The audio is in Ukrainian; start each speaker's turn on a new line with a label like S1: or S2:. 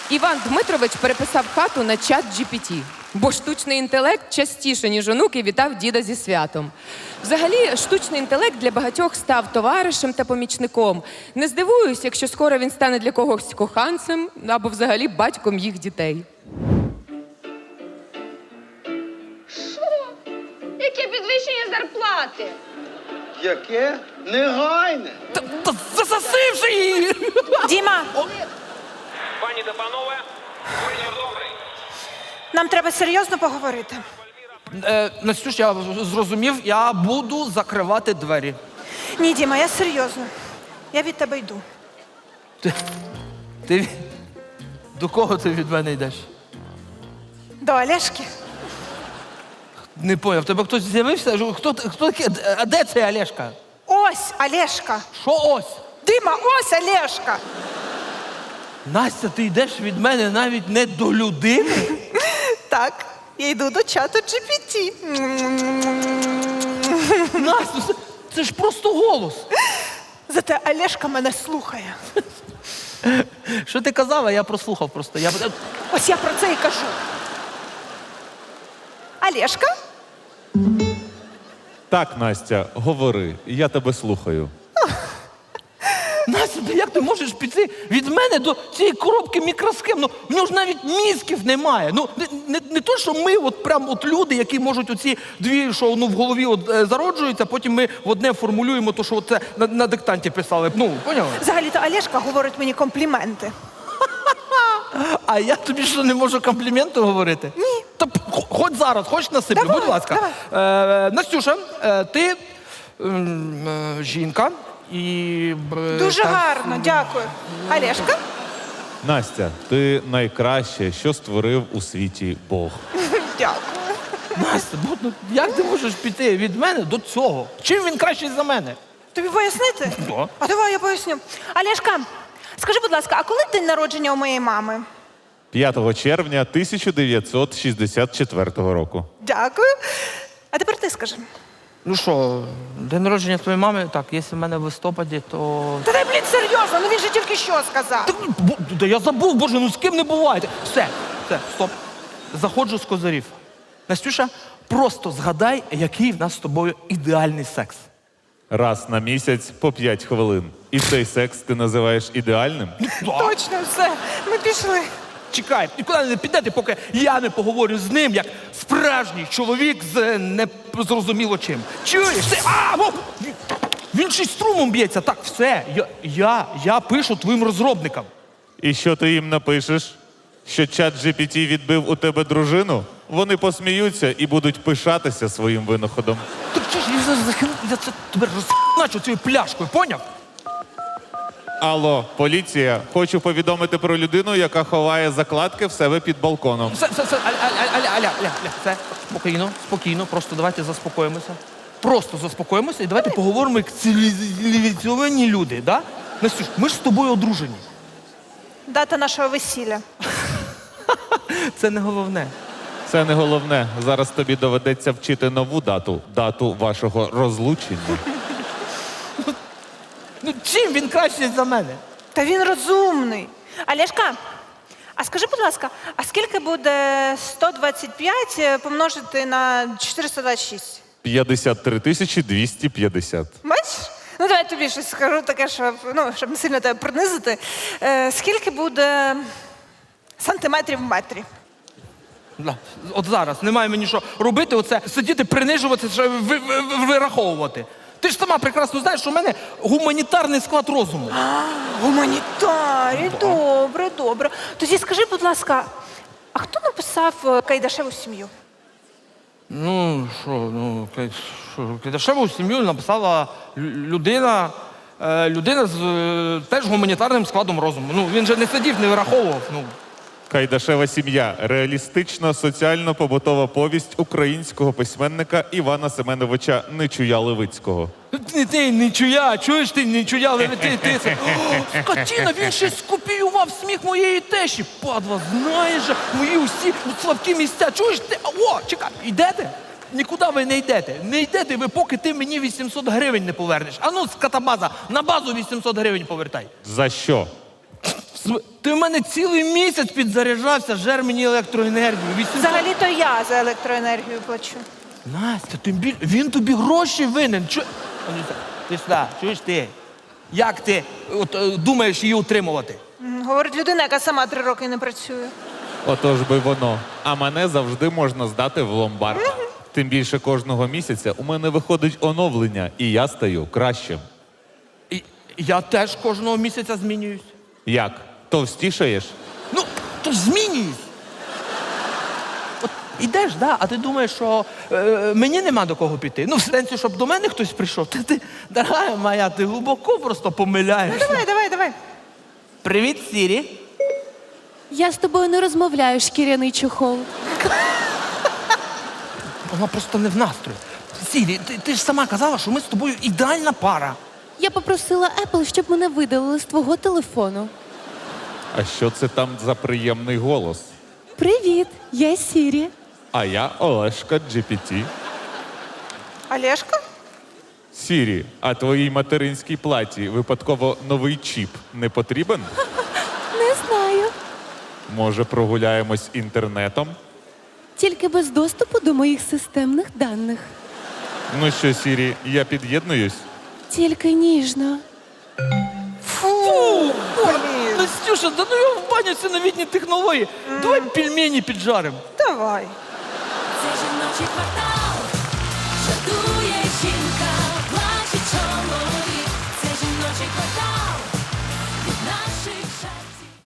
S1: Іван Дмитрович переписав хату на чат GPT, бо штучний інтелект частіше, ніж онуки, вітав діда зі святом. Взагалі, штучний інтелект для багатьох став товаришем та помічником. Не здивуюсь, якщо скоро він стане для когось коханцем або взагалі батьком їх дітей.
S2: Яке підвищення зарплати?
S3: Яке? Негайне.
S4: Та засосивши її!
S5: Діма,
S6: Пані та панове, вечір добрий.
S5: нам треба серйозно поговорити.
S4: Настюш, я зрозумів, я буду закривати двері.
S5: Ні, Діма, я серйозно. Я від тебе йду.
S4: Ти до кого ти від мене йдеш?
S5: До Олешки.
S4: Не поняв, в тебе хтось з'явився? Хто такий? А де цей Олешка?
S5: Ось Олешка.
S4: Що ось?
S5: Дима, ось Олешка.
S4: Настя, ти йдеш від мене навіть не до людини?
S5: Так, я йду до чату GPT.
S4: Настя, це ж просто голос.
S5: Зате Олешка мене слухає.
S4: Що ти казала, я прослухав просто.
S5: Ось я про це і кажу. Олешка?
S7: Так, Настя, говори, я тебе слухаю.
S4: Настя, як ти можеш піти від мене до цієї коробки мікросхем? Ну, в нього ж навіть мізків немає. Ну, не то, що ми люди, які можуть оці дві, що в голові зароджуються, потім ми в одне формулюємо то, що це на диктанті писали. Ну, поняла?
S5: Взагалі-то Олешка говорить мені компліменти.
S4: А я тобі що, не можу компліменти говорити?
S5: Ні.
S4: Та хоч зараз, хоч насиплю,
S5: Давай,
S4: будь ласка. Настюша, ти жінка і...
S5: Дуже гарно, дякую. Олешка?
S7: Настя, ти найкраще, що створив у світі Бог.
S5: Дякую.
S4: Настя, ну як ти можеш піти від мене до цього? Чим він кращий за мене?
S5: Тобі пояснити?
S4: Да.
S5: А давай я поясню. Олешка, скажи, будь ласка, а коли день народження у моєї мами?
S7: 5 червня 1964 року.
S5: Дякую. А тепер ти скажи.
S4: Ну що, день народження твоєї мами, так, якщо в мене в листопаді, то...
S5: Та дай, блін, серйозно, ну він же тільки що сказав.
S4: Да я забув, боже, ну з ким не буває. Все, стоп. Заходжу з козирів. Настюша, просто згадай, який в нас з тобою ідеальний секс.
S7: Раз на місяць по 5 хвилин. І цей секс ти називаєш ідеальним?
S5: Точно, все, ми пішли.
S4: Чекай, нікуди не підете, поки я не поговорю з ним, як справжній чоловік з незрозуміло чим. Чуєш? Ти, він ще й струмом б'ється. Так, все, я пишу твоїм розробникам.
S7: І що ти їм напишеш? Що чат GPT відбив у тебе дружину? Вони посміються і будуть пишатися своїм винаходом.
S4: Так що ж, я це тебе розначу цією пляшкою, поняв?
S7: Алло, поліція, хочу повідомити про людину, яка ховає закладки в себе під балконом.
S4: Все, все, спокійно, просто давайте заспокоїмося. Просто заспокоїмося і давайте поговоримо як цивілізовані люди, да? Настюш, ми ж з тобою одружені.
S5: Дата нашого весілля.
S4: Це не головне.
S7: Це не головне. Зараз тобі доведеться вчити нову дату. Дату вашого розлучення.
S4: Ну чим він кращий за мене?
S5: Та він розумний. Олешка, а скажи, будь ласка, а скільки буде 125 помножити на 426?
S7: 53 250.
S5: Бачиш? Ну, давай я тобі щось скажу таке, щоб не сильно тебе принизити. Скільки буде сантиметрів в метрі?
S4: Да. От зараз немає мені що робити, оце сидіти, принижуватися, вираховувати. Ти ж сама прекрасно знаєш, що в мене гуманітарний склад розуму.
S5: Гуманітарій, добре. Тоді скажи, будь ласка, а хто написав Кайдашеву сім'ю?
S4: Ну, Кайдашеву сім'ю написала людина з теж гуманітарним складом розуму. Ну, він же не сидів, не вираховував.
S7: Кайдашева сім'я – реалістична соціально-побутова повість українського письменника Івана Семеновича Нечуя-Левицького.
S4: Ти Нечуя, чуєш ти Нечуя, ти це. Скотіна, він ще скопіював сміх моєї тещі. Падла, знаєш же, мої усі слабкі місця. Чуєш ти? О, чекай, йдете? Нікуди ви не йдете. Не йдете ви, поки ти мені 800 гривень не повернеш. А ну, скотобаза, на базу 800 гривень повертай.
S7: За що?
S4: Ти в мене цілий місяць підзаряджався, жер мені електроенергію. 800...
S5: Взагалі-то я за електроенергію плачу.
S4: Настя, він тобі гроші винен. Ти сюди, чуєш ти? Як ти думаєш її утримувати?
S5: Говорить людина, яка сама 3 роки не працює.
S7: Отож би воно. А мене завжди можна здати в ломбард. Тим більше кожного місяця у мене виходить оновлення, і я стаю кращим.
S4: І я теж кожного місяця змінююсь.
S7: Як? Товстішаєш?
S4: Ну, то ж змінююсь. От ідеш, да, а ти думаєш, що мені нема до кого піти. Ну, в сенсі, щоб до мене хтось прийшов. Ти, дорога моя, ти глибоко просто помиляєшся.
S5: Давай.
S4: Привіт, Сірі.
S8: Я з тобою не розмовляю, шкіряний чохол.
S4: Вона просто не в настрої. Сірі, ти ж сама казала, що ми з тобою ідеальна пара.
S8: Я попросила Apple, щоб мене видалили з твого телефону.
S7: А що це там за приємний голос?
S8: Привіт, я Сірі.
S7: А я Олешка GPT.
S5: Олешка?
S7: Сірі, а твоїй материнській платі випадково новий чіп не потрібен?
S8: Не знаю.
S7: Може, прогуляємось інтернетом?
S8: Тільки без доступу до моїх системних даних.
S7: Ну що, Сірі, я під'єднуюсь?
S8: Тільки ніжно.
S4: Фу! Настюша, да ну я в баню ці новітні технології. Давай пельмені піджаримо.
S5: Давай.
S9: Це жіночий квартал, жартує жінка, плаче чоловік. Це жіночий квартал.